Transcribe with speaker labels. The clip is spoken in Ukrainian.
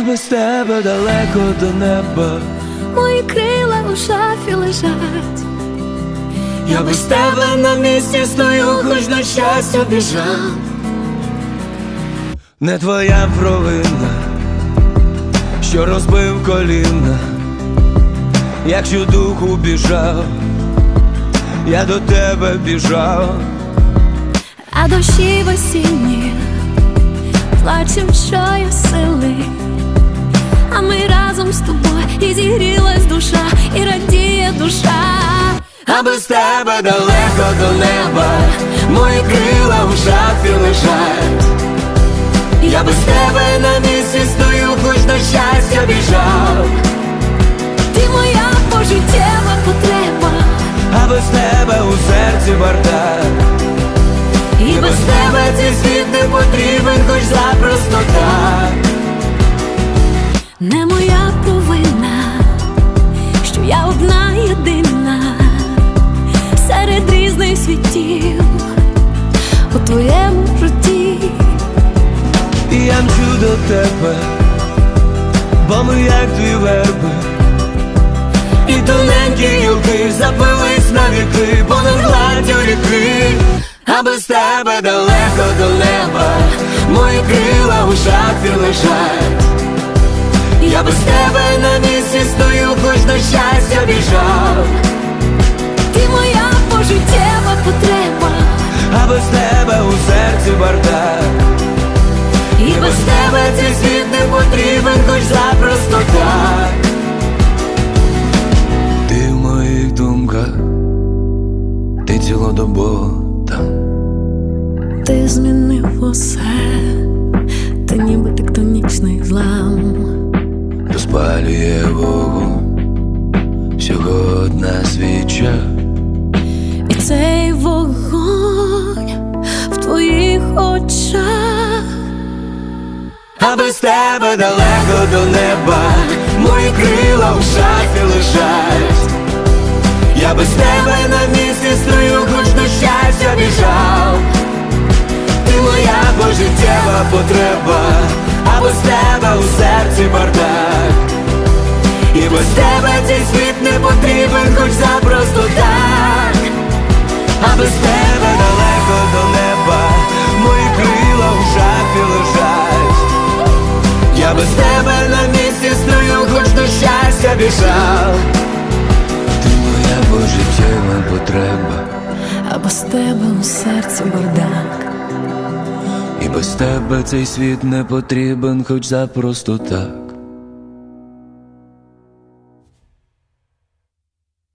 Speaker 1: без тебе далеко до неба.
Speaker 2: Мої крила у шафі лежать.
Speaker 1: Я без тебе на місці стою, хоч на щастя біжав. Не твоя провина, що розбив коліна. Якщо духу біжав, я до тебе біжав.
Speaker 2: А дощі в осінні плачем щосили, а ми разом з тобою, і зігрілась душа, і радіє душа.
Speaker 1: А без тебе далеко до неба, мої крила в шафі лежать. Я без тебе на місці стою, хоч на щастя біжав.
Speaker 2: Ти моя пожиттєва потреба,
Speaker 1: А без тебе у серці бардак. І без тебе цей світ не потрібен, хоч запросто так.
Speaker 2: не моя провина, що я одна єдина серед різних світів у твоєму житті.
Speaker 1: І я мчу до тебе, бо ми як дві верби, і тоненькі гілки запились на віки понад гладдю ріки. А без тебе далеко до неба, мої крила у шафі лежать. Я без тебе на місці стою, хоч на щастя біжав.
Speaker 2: Ти моя пожиттєва потреба,
Speaker 1: А без тебе у серці бардак. І без тебе цей світ не потрібен, хоч запросто так. Ти в моїх думках, ти цілодобово там.
Speaker 2: ти змінив усе, ти ніби тектонічний злам.
Speaker 1: Розпалює вогонь всього одна свіча.
Speaker 2: І цей вогонь в твоїх очах.
Speaker 1: А без тебе далеко до неба, мої крила в шафі лежать. Я без тебе на місці стою, хоч на щастя біжав. Ти моя пожиттєва потреба, а без тебе у серці бардак. І без тебе цей світ не потрібен, хоч запросто так. А без тебе далеко до неба, мої крила в шафі лежать. Я без тебе на місці стою, хоч до щастя біжав. Ти моя пожиттєва потреба,
Speaker 2: А без тебе у серці бардак.
Speaker 1: і без тебе цей світ не потрібен, хоч запросто так.